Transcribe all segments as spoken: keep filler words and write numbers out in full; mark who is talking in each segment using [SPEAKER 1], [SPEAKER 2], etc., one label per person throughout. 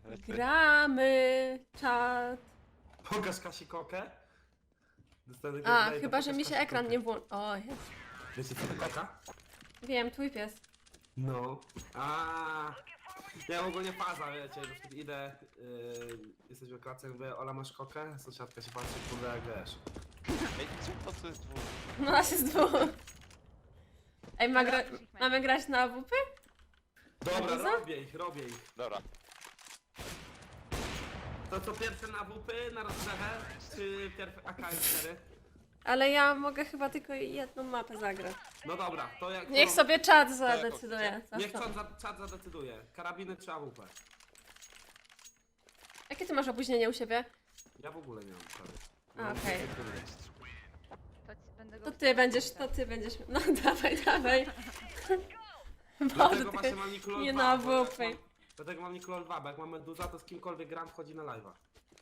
[SPEAKER 1] Gramy, czat.
[SPEAKER 2] Pokaż Kasi kokę. Dostanę
[SPEAKER 1] A,
[SPEAKER 2] gameplay,
[SPEAKER 1] chyba,
[SPEAKER 2] to
[SPEAKER 1] że
[SPEAKER 2] pokaż
[SPEAKER 1] mi się
[SPEAKER 2] Kasi
[SPEAKER 1] ekran
[SPEAKER 2] kokę.
[SPEAKER 1] nie włączy. O, jest.
[SPEAKER 2] Wiecie co to koka?
[SPEAKER 1] Wiem, twój pies.
[SPEAKER 2] No. A. Ja ogólnie faza, wiecie, że wtedy idę, yy, jesteśmy w klatce, mówię, Ola masz kokę? Sąsiadka się patrzy, kurde, jak wiesz.
[SPEAKER 3] Ej, czemu po co jest dwóch?
[SPEAKER 1] No, nas jest dwóch. Ej, ma gra...
[SPEAKER 4] Dobra, już ich
[SPEAKER 1] mamy grać na A W P?
[SPEAKER 2] Dobra,
[SPEAKER 1] co?
[SPEAKER 2] robię ich, robię ich.
[SPEAKER 3] Dobra.
[SPEAKER 2] To co, pierwsze na W P, na rozgrzewę, czy pierwsze A K cztery?
[SPEAKER 1] Ale ja mogę chyba tylko jedną mapę zagrać.
[SPEAKER 2] No dobra, to jak...
[SPEAKER 1] Niech
[SPEAKER 2] to-
[SPEAKER 1] sobie czat zadecyduje.
[SPEAKER 2] Niech
[SPEAKER 1] Co?
[SPEAKER 2] czat, za, czat zadecyduje. Karabiny czy A W P?
[SPEAKER 1] Jakie ty masz opóźnienie u siebie?
[SPEAKER 2] Ja w ogóle nie mam prawie.
[SPEAKER 1] A, okej.
[SPEAKER 4] To ci będę go
[SPEAKER 1] To ty będziesz, to ty będziesz. No dawaj, dawaj.
[SPEAKER 2] Dlatego
[SPEAKER 1] Bo
[SPEAKER 2] właśnie
[SPEAKER 1] ty
[SPEAKER 2] mam Nikolol
[SPEAKER 1] nie
[SPEAKER 2] dwa,
[SPEAKER 1] na
[SPEAKER 2] bo jak
[SPEAKER 1] W P.
[SPEAKER 2] mam- Dlatego mam Nikolol dwa, bo jak mam Meduza, to z kimkolwiek gram wchodzi na live'a.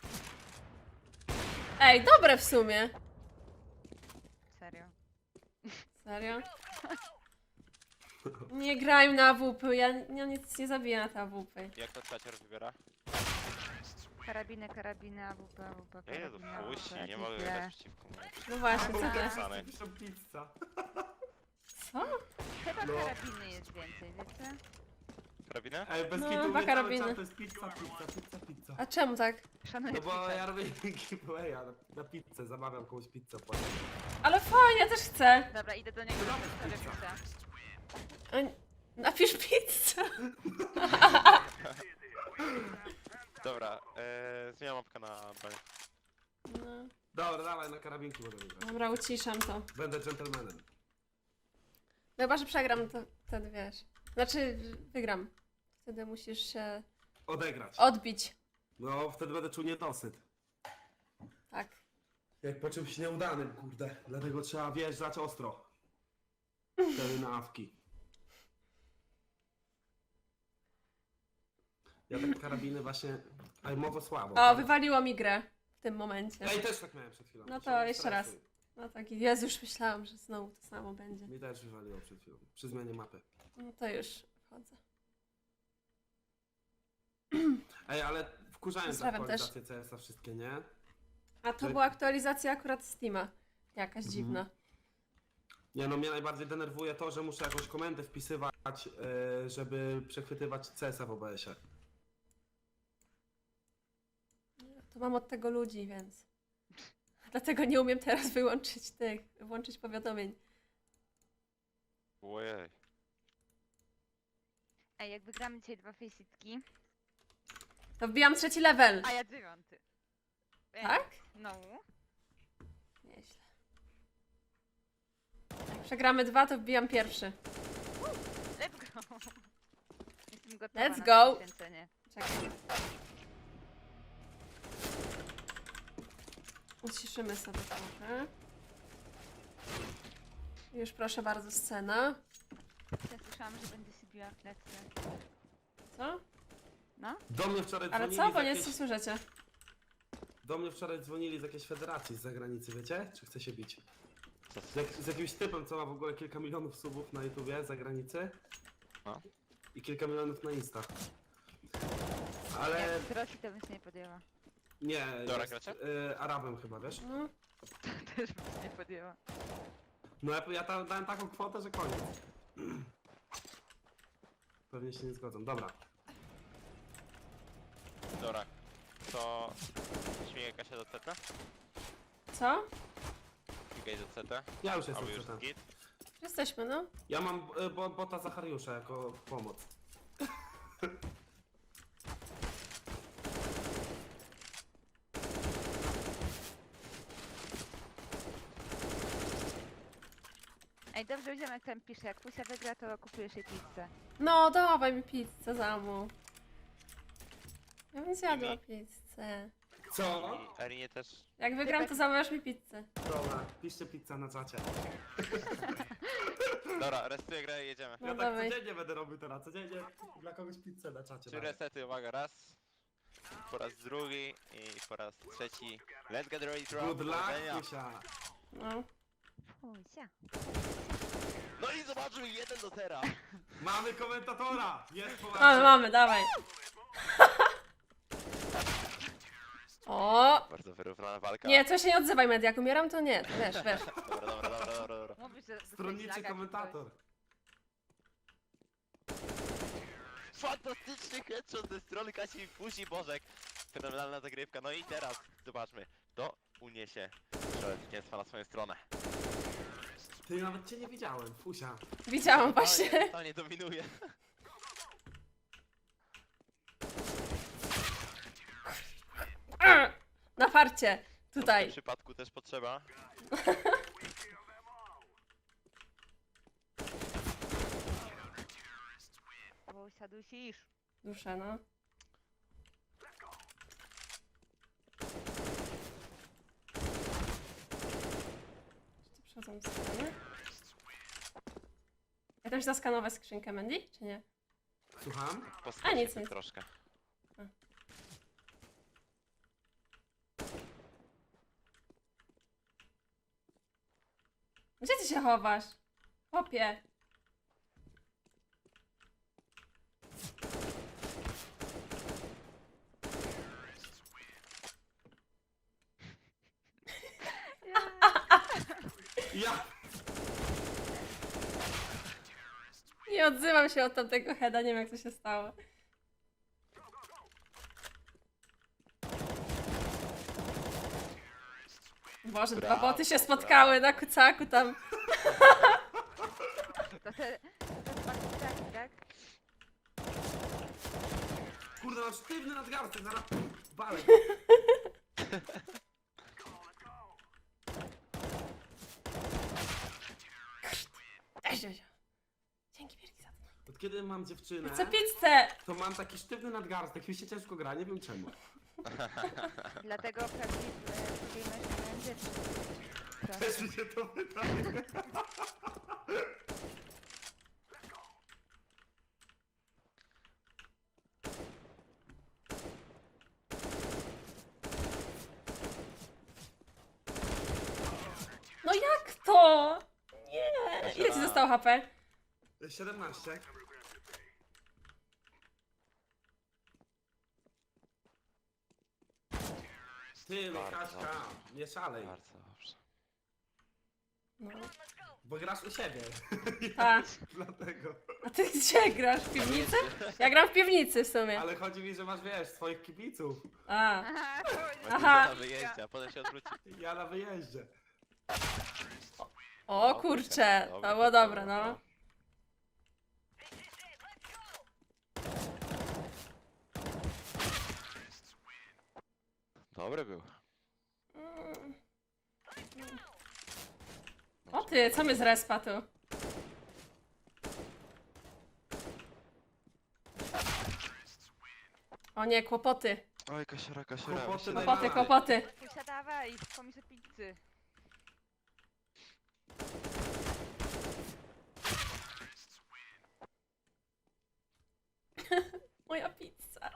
[SPEAKER 1] Ej, dobre w sumie.
[SPEAKER 4] Serio.
[SPEAKER 1] Serio? Nie graj na A W P, ja, ja nic nie zabiję na te A W P.
[SPEAKER 3] Jak to czacior wybiera?
[SPEAKER 4] Karabiny, karabiny, A W P, A W P,
[SPEAKER 3] Ja jeду
[SPEAKER 4] karabiny,
[SPEAKER 3] w puści,
[SPEAKER 4] A W P,
[SPEAKER 3] nie mogę
[SPEAKER 4] kitle.
[SPEAKER 3] grać przeciwko mnie.
[SPEAKER 1] No właśnie, co
[SPEAKER 4] Dobra.
[SPEAKER 1] ty?
[SPEAKER 3] Sany.
[SPEAKER 2] Piszą pizza.
[SPEAKER 1] Co?
[SPEAKER 4] Chyba
[SPEAKER 2] No.
[SPEAKER 4] karabiny jest więcej, wiecie?
[SPEAKER 3] Karabinę?
[SPEAKER 2] Ej, bez
[SPEAKER 1] No,
[SPEAKER 2] kitu
[SPEAKER 1] dwa
[SPEAKER 2] mówię cały
[SPEAKER 1] karabiny.
[SPEAKER 2] czas, to jest pizza, pizza, pizza, pizza.
[SPEAKER 1] A czemu tak?
[SPEAKER 4] Szanuję
[SPEAKER 2] No bo
[SPEAKER 4] Twitcha.
[SPEAKER 2] ja robię giveawaya na, na pizzę, zamawiam komuś pizzę płacę.
[SPEAKER 1] Ale fajnie, ja też chcę.
[SPEAKER 4] Dobra, idę do niego,
[SPEAKER 2] Dobra,
[SPEAKER 4] zostawię
[SPEAKER 2] pizza.
[SPEAKER 4] pizzę.
[SPEAKER 1] A, napisz pizzę.
[SPEAKER 3] Dobra, ee, zmieniam mapkę na broń.
[SPEAKER 1] No.
[SPEAKER 2] Dobra, dawaj, na karabinki będę grać.
[SPEAKER 1] Dobra, uciszam to.
[SPEAKER 2] Będę dżentelmenem.
[SPEAKER 1] No chyba, że przegram, to wtedy wiesz. Znaczy, wygram. Wtedy musisz się
[SPEAKER 2] Odegrać.
[SPEAKER 1] odbić.
[SPEAKER 2] No, wtedy będę czuł niedosyt.
[SPEAKER 1] Tak.
[SPEAKER 2] Jak po czymś nieudanym, kurde. Dlatego trzeba wjeżdżać ostro. Wtedy na awki. Ja tak karabiny właśnie... Ajmowo słabo.
[SPEAKER 1] O,
[SPEAKER 2] tak?
[SPEAKER 1] wywaliło mi grę w tym momencie.
[SPEAKER 2] Ja i też tak miałem przed chwilą.
[SPEAKER 1] No
[SPEAKER 2] Się
[SPEAKER 1] to
[SPEAKER 2] nie
[SPEAKER 1] jeszcze raz.
[SPEAKER 2] stresuj.
[SPEAKER 1] No tak, Jezu, już myślałam, że znowu to samo będzie.
[SPEAKER 2] Mi też wywaliło przed chwilą. Przy zmianie mapy.
[SPEAKER 1] No to już wchodzę.
[SPEAKER 2] Ej, ale wkurzałem te
[SPEAKER 1] Pozdrawiam
[SPEAKER 2] aktualizacje C S a wszystkie, nie?
[SPEAKER 1] A to
[SPEAKER 2] Tak.
[SPEAKER 1] była aktualizacja akurat Steama. Jakaś
[SPEAKER 2] Mhm.
[SPEAKER 1] dziwna.
[SPEAKER 2] Nie no, mnie najbardziej denerwuje to, że muszę jakąś komendę wpisywać, yy, żeby przechwytywać C S a w O B S ie.
[SPEAKER 1] To mam od tego ludzi, więc. Dlatego nie umiem teraz wyłączyć tych, włączyć powiadomień.
[SPEAKER 3] Ojej.
[SPEAKER 4] Ej, jak wygramy dzisiaj dwa faceitki,
[SPEAKER 1] To wbijam trzeci level.
[SPEAKER 4] a ja dziewiąty. Ej,
[SPEAKER 1] Tak?
[SPEAKER 4] No.
[SPEAKER 1] Nieźle. Jak przegramy dwa, to wbijam pierwszy.
[SPEAKER 4] Let's go. Jestem gotowa
[SPEAKER 1] Let's
[SPEAKER 4] na
[SPEAKER 1] go.
[SPEAKER 4] to poświęcenie.
[SPEAKER 1] Czekaj. Uciszymy sobie trochę. Już proszę bardzo, scena.
[SPEAKER 4] Ja słyszałam, że będzie się biła w klatce.
[SPEAKER 1] Co?
[SPEAKER 4] No?
[SPEAKER 2] Do mnie wczoraj
[SPEAKER 1] Ale
[SPEAKER 2] dzwonili
[SPEAKER 1] co?
[SPEAKER 2] z
[SPEAKER 1] Bo nie
[SPEAKER 2] jakiejś...
[SPEAKER 1] słyszycie.
[SPEAKER 2] Do mnie wczoraj dzwonili z jakiejś federacji z zagranicy, wiecie? Czy chce się bić?
[SPEAKER 3] Co?
[SPEAKER 2] Z, jak, z jakimś typem, co ma w ogóle kilka milionów subów na YouTubie z zagranicy.
[SPEAKER 3] No.
[SPEAKER 2] I kilka milionów na Insta.
[SPEAKER 4] Ale...
[SPEAKER 2] Ale
[SPEAKER 4] Jak z Rosji to bym się nie podjęła.
[SPEAKER 2] nie,
[SPEAKER 3] Dobra,
[SPEAKER 2] jest,
[SPEAKER 3] gracie?
[SPEAKER 2] y, Arabem chyba, wiesz?
[SPEAKER 1] No.
[SPEAKER 4] Też bym się nie podjęła.
[SPEAKER 2] No ja, ja tam dałem taką kwotę, że koniec. Pewnie się nie zgodzą. Dobra.
[SPEAKER 3] Dobra. To... Śmigaj Kasia do C T?
[SPEAKER 1] Co?
[SPEAKER 3] Śmigaj do C T?
[SPEAKER 2] Ja już
[SPEAKER 3] Albo
[SPEAKER 2] jestem
[SPEAKER 3] już
[SPEAKER 2] tam.
[SPEAKER 3] git?
[SPEAKER 1] Jesteśmy, no.
[SPEAKER 2] Ja mam y, bo, bota Zachariusza jako pomoc.
[SPEAKER 4] Ej, dobrze widziałam jak tam pisze, jak Fusia wygra, to kupujesz jej pizzę.
[SPEAKER 1] No, dawaj mi pizzę za mu. Ja bym zjadła
[SPEAKER 3] Mimi.
[SPEAKER 1] pizzę.
[SPEAKER 2] Co?
[SPEAKER 3] I Arinie też.
[SPEAKER 1] Jak wygram, to zamawiasz mi pizzę.
[SPEAKER 2] Dobra, piszcie pizza na czacie.
[SPEAKER 3] Dobra, restuję grę i jedziemy.
[SPEAKER 1] No
[SPEAKER 2] Ja tak
[SPEAKER 1] dawaj.
[SPEAKER 2] codziennie będę robił teraz, codziennie dla kogoś pizzę na czacie.
[SPEAKER 3] Trzy
[SPEAKER 2] daję.
[SPEAKER 3] resety, uwaga, raz. Po raz drugi i po raz trzeci. Let's get ready to
[SPEAKER 2] Good luck,
[SPEAKER 3] powodzenia.
[SPEAKER 2] Kusia.
[SPEAKER 1] No.
[SPEAKER 4] Fusia.
[SPEAKER 3] No i zobaczymy jeden do zera.
[SPEAKER 2] Mamy komentatora! Jest po
[SPEAKER 1] Mamy, mamy, dawaj.
[SPEAKER 3] wyrównana walka.
[SPEAKER 1] Nie, to się nie odzywaj, Media. Jak umieram, to nie. To wiesz, wiesz.
[SPEAKER 3] Dobra, dobra, dobra, dobra, dobra.
[SPEAKER 4] Mówisz, że dostałeś
[SPEAKER 2] Stronniczy
[SPEAKER 4] laga czy
[SPEAKER 2] komentator.
[SPEAKER 3] Fantastyczny headshot ze strony Kasi i Fusi Bożek. Fenomenalna zagrywka. No i teraz zobaczmy. To uniesie strzelę zwycięstwa na swoją stronę.
[SPEAKER 2] Ty, nawet cię nie widziałem, fusia.
[SPEAKER 1] Widziałam właśnie.
[SPEAKER 3] To nie dominuje.
[SPEAKER 1] Na farcie.
[SPEAKER 3] W tym
[SPEAKER 1] Tutaj.
[SPEAKER 3] przypadku też potrzeba.
[SPEAKER 4] coś? Wusia dusisz.
[SPEAKER 1] Duszę, no. Czy to przechodzą strony? Ja tam się zaskanować skrzynkę Mandy, czy nie?
[SPEAKER 2] Słucham?
[SPEAKER 3] Poskać
[SPEAKER 1] A, nic,
[SPEAKER 3] się
[SPEAKER 1] nic.
[SPEAKER 3] troszkę.
[SPEAKER 1] Gdzie ty się chowasz? Chłopie.
[SPEAKER 2] Ja!
[SPEAKER 1] Nie odzywam się od tamtego heada, nie wiem jak to się stało. Boże, dwa
[SPEAKER 3] Brawo,
[SPEAKER 1] boty się
[SPEAKER 3] brawo.
[SPEAKER 1] spotkały na kucaku tam.
[SPEAKER 4] To te... To te dwa kuciaki, tak?
[SPEAKER 2] Kurde, mam sztywny nadgarstek, zaraz balę.
[SPEAKER 1] Ej, Ziozio. Dzięki wielkie za to.
[SPEAKER 2] Od kiedy mam dziewczynę,
[SPEAKER 1] Chcę pizzę!
[SPEAKER 2] to mam taki sztywny nadgarstek, mi się ciężko gra, nie wiem czemu.
[SPEAKER 4] Dlatego prawdziwy gamerzy mają dzieci. Tak.
[SPEAKER 2] Też mi się to wydaje.
[SPEAKER 1] No jak to? Nie! Ile ci zostało H P?
[SPEAKER 2] siedemnaście. Ty, no
[SPEAKER 3] Bardzo
[SPEAKER 2] Kaśka,
[SPEAKER 3] dobrze.
[SPEAKER 2] nie szalej,
[SPEAKER 3] Bardzo dobrze.
[SPEAKER 1] No.
[SPEAKER 2] bo grasz u siebie.
[SPEAKER 1] Tak.
[SPEAKER 2] Dlatego.
[SPEAKER 1] A ty gdzie grasz? W piwnicy? Ja gram w piwnicy w sumie.
[SPEAKER 2] Ale chodzi mi, że masz, wiesz, swoich kibiców.
[SPEAKER 1] A.
[SPEAKER 4] Aha, to będzie
[SPEAKER 1] Aha.
[SPEAKER 3] Na wyjeździe, a potem się odwróci.
[SPEAKER 2] Ja na wyjeździe.
[SPEAKER 1] O kurcze, to było dobre, no.
[SPEAKER 3] Dobry był.
[SPEAKER 1] Mm. O ty, co my z respa tu? O nie, kłopoty.
[SPEAKER 3] Oj, kasiora, kasiora.
[SPEAKER 2] Kłopoty
[SPEAKER 3] myślę,
[SPEAKER 2] najmniej.
[SPEAKER 1] Kłopoty, kłopoty.
[SPEAKER 4] Fusia, dawaj, pomiszę pizzy.
[SPEAKER 1] Moja pizza.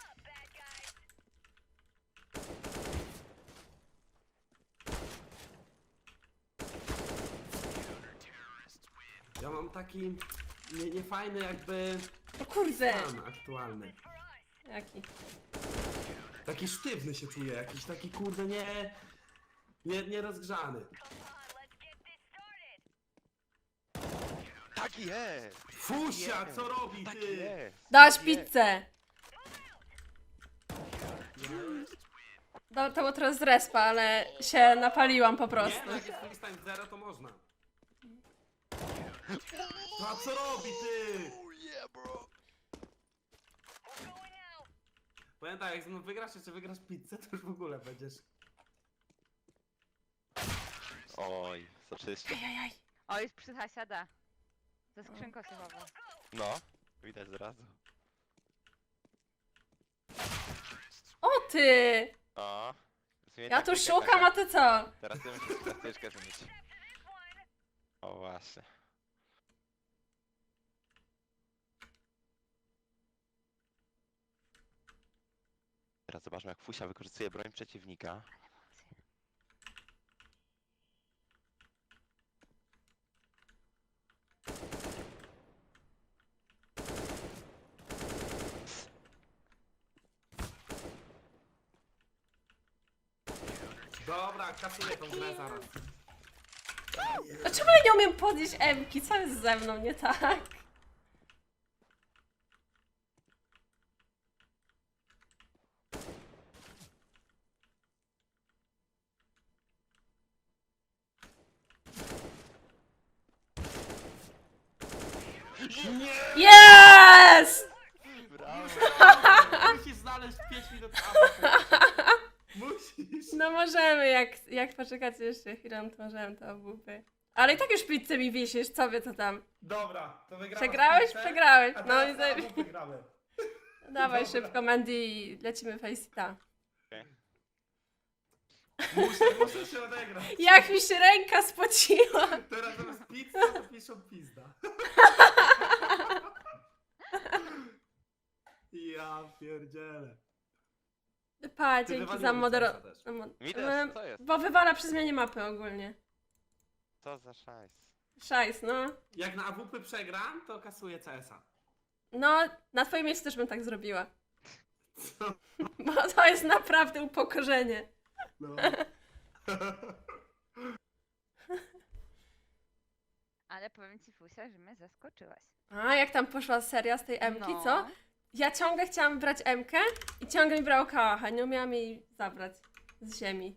[SPEAKER 2] Ja mam taki nie, niefajny jakby
[SPEAKER 1] O kurde.
[SPEAKER 2] stan aktualny.
[SPEAKER 1] Jaki?
[SPEAKER 2] Taki sztywny się czuję, jakiś taki kurde nie... Nie, nierozgrzany.
[SPEAKER 3] Tak jest!
[SPEAKER 2] Fusia, co robi
[SPEAKER 3] Tak
[SPEAKER 2] ty?
[SPEAKER 3] jest!
[SPEAKER 1] Dałaś
[SPEAKER 3] tak jest.
[SPEAKER 1] pizzę. No, to było teraz z respa, ale się napaliłam po
[SPEAKER 2] Nie,
[SPEAKER 1] prostu.
[SPEAKER 2] no jak jest freestyle zero, to można. No a co robi ty?
[SPEAKER 3] Oh yeah, bro!
[SPEAKER 2] Powiem tak, jak ze mną wygrasz, czy wygrasz pizzę, to już w ogóle będziesz...
[SPEAKER 3] Oj, soczyście.
[SPEAKER 1] Ajajaj.
[SPEAKER 4] O, jest przy Hasiada. Za skrzynką się chowa.
[SPEAKER 3] No, widać zrazu.
[SPEAKER 1] O ty!
[SPEAKER 3] O! zmień
[SPEAKER 1] Ja tu
[SPEAKER 3] taktykę,
[SPEAKER 1] szukam,
[SPEAKER 3] Kasia.
[SPEAKER 1] a ty co?
[SPEAKER 3] Teraz ty musisz taktyczkę zmienić. O właśnie. Teraz zobaczmy jak Fusia wykorzystuje broń przeciwnika.
[SPEAKER 2] Dobra, kasuję tą grę zaraz.
[SPEAKER 1] A czemu ja nie umiem podnieść M-ki? Co jest ze mną nie tak?
[SPEAKER 2] Nie!
[SPEAKER 1] Jest!
[SPEAKER 3] Brawo!
[SPEAKER 2] Musisz znaleźć pięć minut Musisz.
[SPEAKER 1] No możemy, jak, jak poczekacie jeszcze chwilę, to możemy to obupy. Ale i tak już pizzę mi wisisz, co wy to tam?
[SPEAKER 2] Dobra, to wygrałeś.
[SPEAKER 1] Przegrałeś?
[SPEAKER 2] pizzę,
[SPEAKER 1] Przegrałeś.
[SPEAKER 2] A
[SPEAKER 1] No
[SPEAKER 2] teraz
[SPEAKER 1] i
[SPEAKER 2] na
[SPEAKER 1] zajebi-
[SPEAKER 2] obu wygramy.
[SPEAKER 1] Dawaj
[SPEAKER 2] Dobra.
[SPEAKER 1] szybko, Mandy, i lecimy faceita.
[SPEAKER 2] Muszę, muszę się odegrać.
[SPEAKER 1] Jak mi się ręka spociła!
[SPEAKER 2] Teraz zamiast pizza to piszą pizda. Ja pierdzielę.
[SPEAKER 1] Pa,
[SPEAKER 2] Ty
[SPEAKER 1] dzięki
[SPEAKER 2] wywaliło
[SPEAKER 1] za
[SPEAKER 2] mi
[SPEAKER 1] modero...
[SPEAKER 2] serca też.
[SPEAKER 1] no, mo-
[SPEAKER 3] Mi
[SPEAKER 1] em,
[SPEAKER 3] też, co jest?
[SPEAKER 1] Bo wywala przy zmianie mapy ogólnie.
[SPEAKER 3] Co za szajs.
[SPEAKER 1] Szajs, no.
[SPEAKER 2] Jak na A W P przegram, to kasuję C S a.
[SPEAKER 1] No, na twoim miejscu też bym tak zrobiła.
[SPEAKER 2] Co?
[SPEAKER 1] Bo to jest naprawdę upokorzenie.
[SPEAKER 2] No.
[SPEAKER 4] Ale powiem ci, Fusia, że mnie zaskoczyłaś.
[SPEAKER 1] A, jak tam poszła seria z tej M-ki,
[SPEAKER 4] No.
[SPEAKER 1] co? Ja ciągle chciałam brać M-kę i ciągle mi brało kałacha, nie umiałam jej zabrać z ziemi.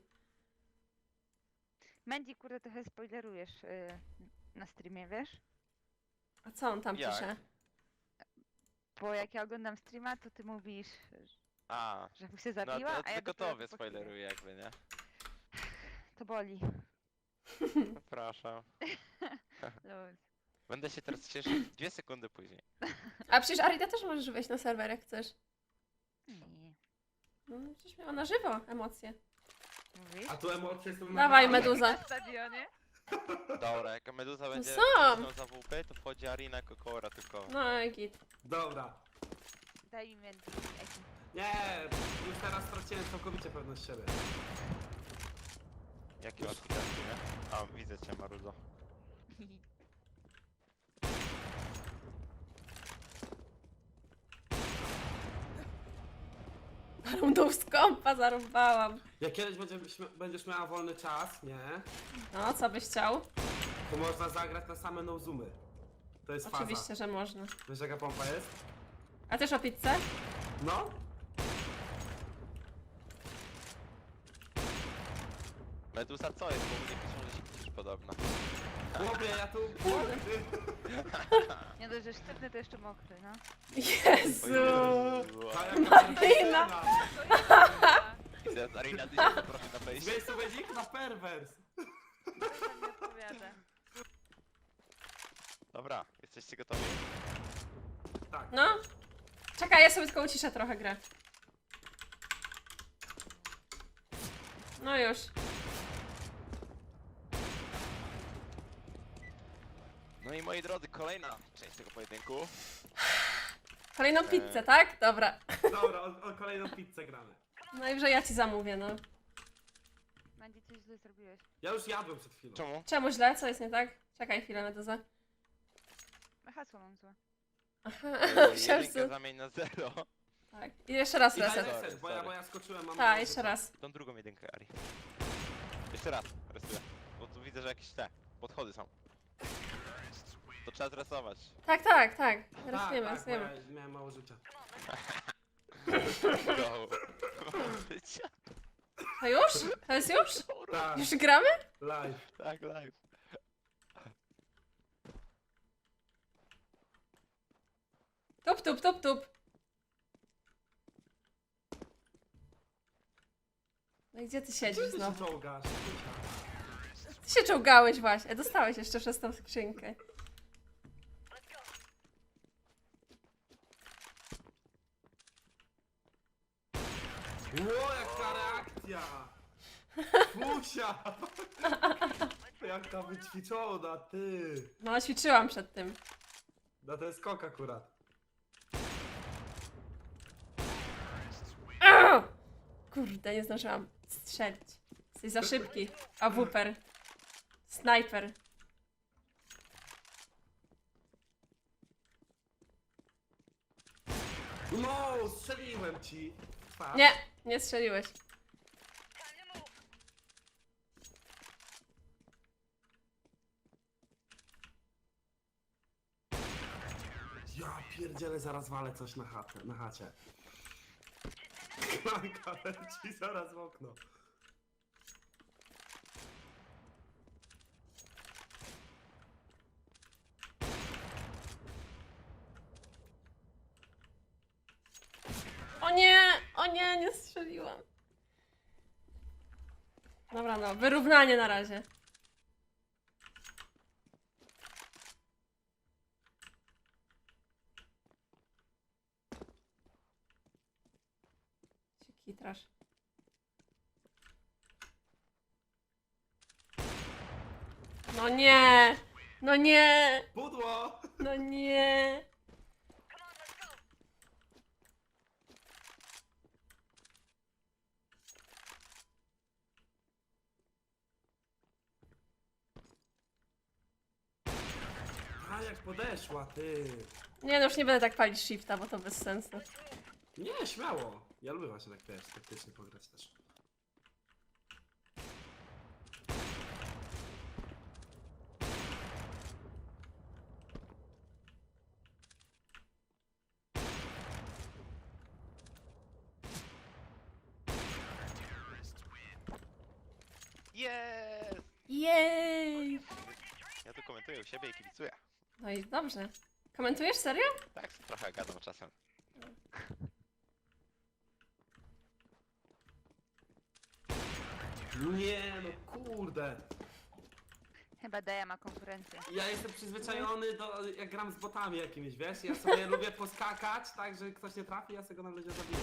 [SPEAKER 4] Mandy, kurde, trochę spoilerujesz y, na streamie, wiesz?
[SPEAKER 1] A co on tam
[SPEAKER 3] Jak?
[SPEAKER 1] pisze?
[SPEAKER 4] Bo jak ja oglądam streama, to ty mówisz,
[SPEAKER 3] A,
[SPEAKER 4] że Fusia
[SPEAKER 3] no
[SPEAKER 4] zabiła,
[SPEAKER 3] to,
[SPEAKER 4] a ja
[SPEAKER 3] tylko
[SPEAKER 4] dopiero
[SPEAKER 3] tobie
[SPEAKER 4] po chwili.
[SPEAKER 3] spoileruję jakby, nie?
[SPEAKER 4] To boli.
[SPEAKER 3] Przepraszam.
[SPEAKER 4] Luz.
[SPEAKER 3] Będę się teraz cieszyć dwie sekundy później.
[SPEAKER 1] A przecież Arita też możesz wejść na serwer, jak chcesz.
[SPEAKER 4] Nie.
[SPEAKER 1] No, przecież miała na żywo emocje.
[SPEAKER 4] Mówisz?
[SPEAKER 2] A tu emocje są
[SPEAKER 1] Dawaj,
[SPEAKER 2] na-
[SPEAKER 1] Meduza.
[SPEAKER 4] Na stadionie?
[SPEAKER 3] Dobra, jak Meduza będzie
[SPEAKER 1] są.
[SPEAKER 3] cisnął za W P, to wchodzi Arina Kokora tylko.
[SPEAKER 1] No i git.
[SPEAKER 2] Dobra.
[SPEAKER 4] Daj mi Mandy. Eki.
[SPEAKER 2] Nie, już teraz straciłem całkowicie pewność siebie.
[SPEAKER 3] Jakie łatwe nie? A, widzę cię, Maruzo.
[SPEAKER 1] Rundą z kompa zarąbałam.
[SPEAKER 2] Jak kiedyś będziesz, będziesz miała wolny czas, nie?
[SPEAKER 1] No, co byś chciał?
[SPEAKER 2] To można zagrać na same no-zoomy. To jest faza.
[SPEAKER 1] Oczywiście, że można.
[SPEAKER 2] Wiesz jaka pompa jest?
[SPEAKER 1] A też o pizzę?
[SPEAKER 2] No?
[SPEAKER 3] Meduza co jest? Bo mnie piszą, że się kłócisz podobno.
[SPEAKER 2] Chłopie, ja tu...
[SPEAKER 4] Nie dość, że sztywny, to jeszcze mokry, no.
[SPEAKER 1] Jezu!
[SPEAKER 2] Ta jaka
[SPEAKER 1] Arina.
[SPEAKER 2] perwersja.
[SPEAKER 3] Widzę, Arina, ty się zaprosi na fejsie.
[SPEAKER 2] Wiesz co będzie? Na perwers.
[SPEAKER 4] To nie odpowiada.
[SPEAKER 3] Dobra, jesteście gotowi?
[SPEAKER 2] Tak.
[SPEAKER 1] No. Czekaj, ja sobie tylko uciszę trochę grę. No już.
[SPEAKER 3] No i moi drodzy, kolejna część tego pojedynku.
[SPEAKER 1] Kolejną pizzę, tak? Dobra.
[SPEAKER 2] Dobra, o, o kolejną pizzę gramy.
[SPEAKER 1] Najwyżej ja ci zamówię, no.
[SPEAKER 4] Mandy, coś źle zrobiłeś.
[SPEAKER 2] Ja już jadłem przed chwilą.
[SPEAKER 3] Czemu?
[SPEAKER 1] Czemu źle? Co jest nie tak? Czekaj chwilę, Meduza.
[SPEAKER 4] Hasło mam złe.
[SPEAKER 1] Aha,
[SPEAKER 3] Yy,
[SPEAKER 1] myślałem,
[SPEAKER 3] Jedynkę
[SPEAKER 1] że...
[SPEAKER 3] zamień na zero.
[SPEAKER 1] Tak. I jeszcze raz
[SPEAKER 2] I daj
[SPEAKER 1] reset.
[SPEAKER 2] reset, bo ja, bo ja skoczyłem, mam...
[SPEAKER 1] Tak, jeszcze raz.
[SPEAKER 3] Tą drugą jedynkę, Ari. Jeszcze raz, rysuję. Bo tu widzę, że jakieś te podchody są. To trzeba zresować.
[SPEAKER 1] Tak, tak, tak.
[SPEAKER 2] Tak,
[SPEAKER 1] Rysujemy,
[SPEAKER 2] tak, bo ja
[SPEAKER 1] rysujemy.
[SPEAKER 2] miałem mało życia.
[SPEAKER 3] Go. Życia.
[SPEAKER 1] To już? To jest już?
[SPEAKER 2] Tak,
[SPEAKER 1] Już gramy?
[SPEAKER 2] live.
[SPEAKER 3] Tak, live.
[SPEAKER 1] Tup, tup, tup, tup. No i gdzie ty siedzisz
[SPEAKER 2] Gdzie ty się
[SPEAKER 1] znowu?
[SPEAKER 2] czołgasz?
[SPEAKER 1] Ty się czołgałeś właśnie. Dostałeś jeszcze przez tą skrzynkę.
[SPEAKER 2] Ło, jaka reakcja! Fusia! Jaka wyćwiczona, ty!
[SPEAKER 1] No, ćwiczyłam przed tym.
[SPEAKER 2] Na ten skok akurat.
[SPEAKER 1] Au! Kurde, nie zdążyłam strzelić. Jesteś za szybki. A wuper. Snajper.
[SPEAKER 2] No, strzeliłem ci! Fa.
[SPEAKER 1] Nie, nie strzeliłeś.
[SPEAKER 2] Ja pierdzielę, zaraz walę coś na chatę, na chacie. Klanka leci zaraz w okno.
[SPEAKER 1] O nie! O nie, nie strzeliłam. Dobra, no, wyrównanie na razie. Się kitrasz. No nie! No nie!
[SPEAKER 2] Pudło!
[SPEAKER 1] No nie!
[SPEAKER 2] A jak podeszła, ty.
[SPEAKER 1] Nie, no już nie będę tak palić shifta, bo to bez sensu.
[SPEAKER 2] Nie, śmiało. Ja lubię właśnie tak, wiesz, taktycznie pograć też.
[SPEAKER 3] Jest!
[SPEAKER 1] Jej!
[SPEAKER 3] Ja tu komentuję u siebie i kibicuję.
[SPEAKER 1] No i dobrze. Komentujesz serio?
[SPEAKER 3] Tak, trochę gadam czasem.
[SPEAKER 2] Nie, no kurde.
[SPEAKER 4] Chyba Deja ma konkurencję.
[SPEAKER 2] Ja jestem przyzwyczajony do, jak gram z botami jakimiś, wiesz? Ja sobie lubię poskakać, tak, że ktoś nie trafi, ja sobie go na ludzie zabiję.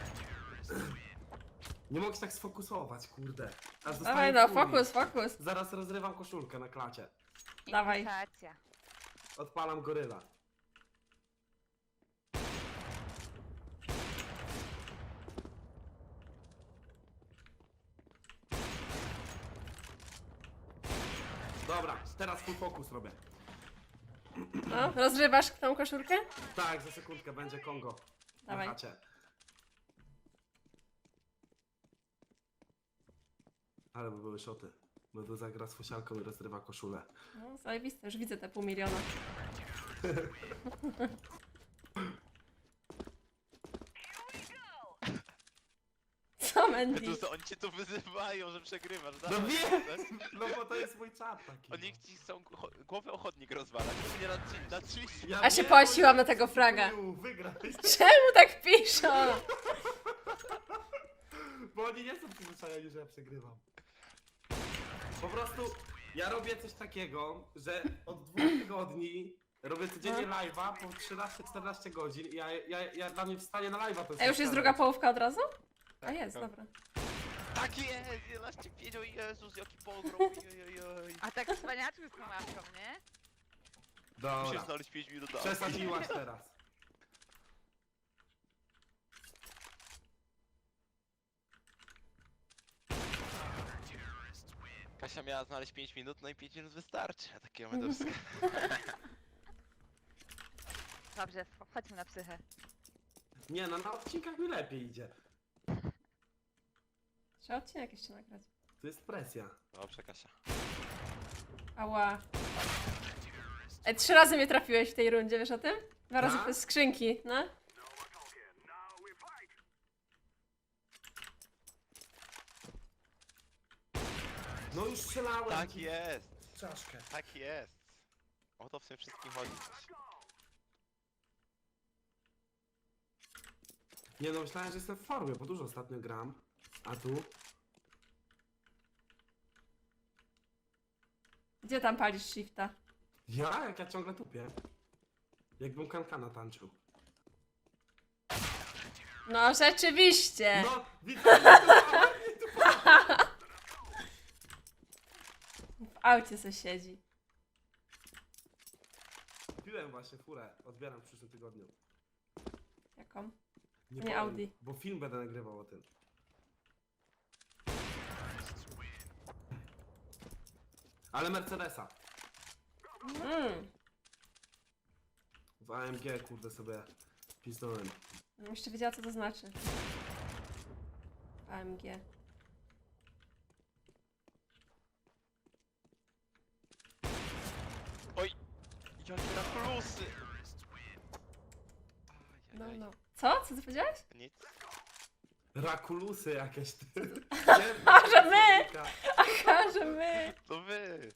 [SPEAKER 2] Nie mogę się tak sfokusować, kurde. Aż
[SPEAKER 1] Dawaj
[SPEAKER 2] dostaję
[SPEAKER 1] no,
[SPEAKER 2] furii.
[SPEAKER 1] fokus, fokus.
[SPEAKER 2] Zaraz rozrywam koszulkę na klacie.
[SPEAKER 1] Dawaj.
[SPEAKER 4] Infiltracja.
[SPEAKER 2] Odpalam goryla. Dobra, teraz full focus robię.
[SPEAKER 1] No, rozrywasz tą koszulkę?
[SPEAKER 2] Tak, za sekundkę będzie Kongo.
[SPEAKER 1] Dawaj.
[SPEAKER 2] Na chacie. Ale by były szoty. Bo tu zagra z fusialką i rozrywa koszulę.
[SPEAKER 1] No, zajebiste, już widzę te pół miliona. Co, Mandy?
[SPEAKER 3] Tu, oni cię tu wyzywają, że przegrywasz.
[SPEAKER 2] No
[SPEAKER 3] dawaj,
[SPEAKER 2] wiem!
[SPEAKER 3] tak?
[SPEAKER 2] No bo to jest mój czat taki.
[SPEAKER 3] Oni ci chcą cho- głowę o chodnik rozwalać. Nie na, trzy- na trzy...
[SPEAKER 2] Ja
[SPEAKER 1] A się
[SPEAKER 2] wiem,
[SPEAKER 1] połasiłam
[SPEAKER 2] bo
[SPEAKER 1] na tego fraga.
[SPEAKER 2] chuju, Wygraj.
[SPEAKER 1] Czemu tak piszą?
[SPEAKER 2] Bo oni nie są przyzwyczajeni, że ja przegrywam. Po prostu ja robię coś takiego, że od dwóch tygodni robię codziennie
[SPEAKER 1] No.
[SPEAKER 2] live'a po trzynaście czternaście godzin i ja, ja, ja dla mnie wstanie na live'a to
[SPEAKER 1] A już jest druga połówka od razu? A jest,
[SPEAKER 3] tak.
[SPEAKER 1] dobra.
[SPEAKER 3] Tak jest! jedenaście pięć, o Jezus, jaki pogrom! Ojojoj.
[SPEAKER 4] A tak wspaniaczku z tą łapką, nie?
[SPEAKER 3] Musisz
[SPEAKER 2] Dobra,
[SPEAKER 3] znaleźć pięć minut na
[SPEAKER 2] przesadziłaś teraz.
[SPEAKER 3] Kasia miała znaleźć pięć minut, no i pięć minut wystarczy. A takiego medowska.
[SPEAKER 4] Dobrze, w- chodźmy na psychę.
[SPEAKER 2] Nie no, na odcinkach mi lepiej idzie.
[SPEAKER 1] Trzeba odcinek jeszcze nagrać.
[SPEAKER 2] To jest presja.
[SPEAKER 3] Dobrze, Kasia.
[SPEAKER 1] Ała. Ej, trzy razy mnie trafiłeś w tej rundzie, wiesz o tym? Dwa razy
[SPEAKER 2] Tak?
[SPEAKER 1] przez skrzynki, no?
[SPEAKER 2] No już strzelałem.
[SPEAKER 3] Tak
[SPEAKER 2] ci
[SPEAKER 3] jest!
[SPEAKER 2] w Czaszkę.
[SPEAKER 3] Tak jest! O to w tym wszystkim chodzi.
[SPEAKER 2] Nie no, myślałem, że jestem w formie, bo dużo ostatnio gram. A tu?
[SPEAKER 1] Gdzie tam palisz shifta?
[SPEAKER 2] Ja? Jak ja ciągle tupię. Jakbym kankana tańczył.
[SPEAKER 1] No rzeczywiście!
[SPEAKER 2] No, widzę, nie tupałem, nie tupałem.
[SPEAKER 1] W aucie se siedzi.
[SPEAKER 2] Kupiłem właśnie furę, odbieram w przyszłym tygodniu.
[SPEAKER 1] Jaką? Nie
[SPEAKER 2] powiem,
[SPEAKER 1] Audi.
[SPEAKER 2] Bo film będę nagrywał o tym. Ale Mercedesa.
[SPEAKER 1] Mm.
[SPEAKER 2] W A M G kurde sobie pisnąłem.
[SPEAKER 1] Bym jeszcze wiedziała co to znaczy. A M G.
[SPEAKER 3] Oj! Jakie na plusy!
[SPEAKER 1] No,
[SPEAKER 3] Ej.
[SPEAKER 1] no. Co? Co ty powiedziałeś?
[SPEAKER 3] Nic.
[SPEAKER 2] Rakulusy jakieś. Ty.
[SPEAKER 1] A, że my! Aha, że my!
[SPEAKER 3] To wy!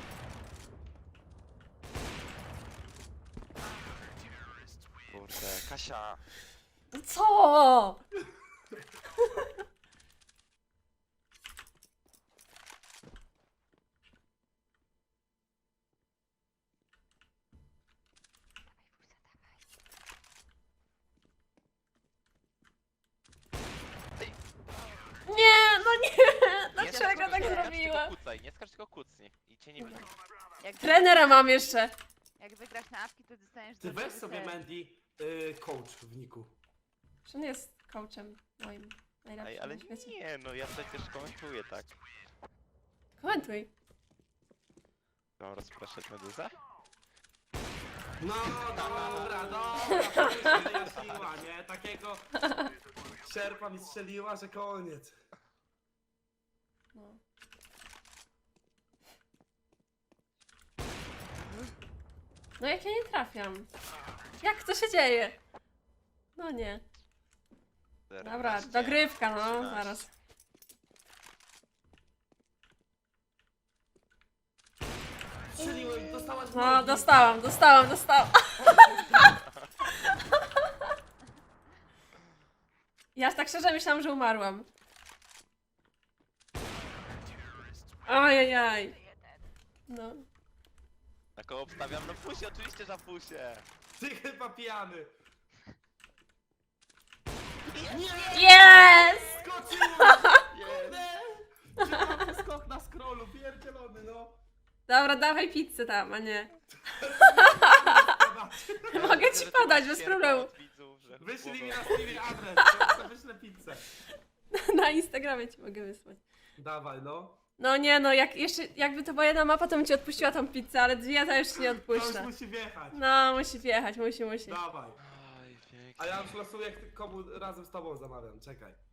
[SPEAKER 3] Kurde, Kasia!
[SPEAKER 1] No co? Nie, no nie!
[SPEAKER 3] Nie
[SPEAKER 1] Dlaczego
[SPEAKER 3] skacz,
[SPEAKER 1] tak
[SPEAKER 3] nie skacz,
[SPEAKER 1] zrobiła?
[SPEAKER 3] tylko kucaj, nie skacz, tylko kucnij. I cię nie widzi.
[SPEAKER 4] Jak,
[SPEAKER 1] Trenera mam jeszcze.
[SPEAKER 4] jak wygrasz na apki, to dostaniesz
[SPEAKER 2] Ty weź
[SPEAKER 4] dodatkowy
[SPEAKER 2] sobie
[SPEAKER 4] ser.
[SPEAKER 2] Mandy y, coach w niku.
[SPEAKER 1] Że on jest coachem moim najlepszym
[SPEAKER 3] Ej, ale
[SPEAKER 1] na świecie.
[SPEAKER 3] nie, no ja przecież komentuję tak.
[SPEAKER 1] Komentuj.
[SPEAKER 3] Mam rozpraszać meduzę?
[SPEAKER 2] No dobra, dobra, to wyjaśniła, nie? Takiego sierpa mi strzeliła, że koniec.
[SPEAKER 1] No. No jak ja nie trafiam? Jak to się dzieje? No nie. Dobra,
[SPEAKER 3] czternaście,
[SPEAKER 1] dogrywka, no,
[SPEAKER 3] trzynaście.
[SPEAKER 1] zaraz.
[SPEAKER 2] Strzeliłem i dostałaś w
[SPEAKER 1] No,
[SPEAKER 2] nogi.
[SPEAKER 1] dostałam, dostałam, dostałam. Ja tak szczerze myślałam, że umarłam. Ojajaj. No.
[SPEAKER 3] Na koło obstawiam? No pusie, oczywiście, że pusie.
[SPEAKER 2] Ty chyba pijany.
[SPEAKER 1] Yes!
[SPEAKER 2] Skoczyłem!
[SPEAKER 3] Jest.
[SPEAKER 2] Kurde! Skok na scrollu, pierdzielony, no.
[SPEAKER 1] Dobra, dawaj pizzę tam, a nie.
[SPEAKER 3] Ja
[SPEAKER 1] Mogę
[SPEAKER 3] widzę,
[SPEAKER 1] ci
[SPEAKER 3] że ty
[SPEAKER 1] podać,
[SPEAKER 3] masz
[SPEAKER 1] bez
[SPEAKER 3] sierpa
[SPEAKER 1] problemu.
[SPEAKER 3] od widzów, że
[SPEAKER 2] Wyślij mi
[SPEAKER 3] głową-
[SPEAKER 2] na streamie adres, to to wyślę pizzę.
[SPEAKER 1] Na Instagramie ci mogę wysłać.
[SPEAKER 2] Dawaj, no.
[SPEAKER 1] No nie no, jak jeszcze, jakby to była jedna mapa, to bym ci odpuściła tą pizzę, ale dwie to już ci nie
[SPEAKER 2] To już
[SPEAKER 1] odpuszczę.
[SPEAKER 2] musi wjechać.
[SPEAKER 1] No, musi wjechać, musi, musi.
[SPEAKER 2] Dawaj.
[SPEAKER 3] Oj, pięknie.
[SPEAKER 2] A ja już losuję, komu razem z tobą zamawiam, czekaj.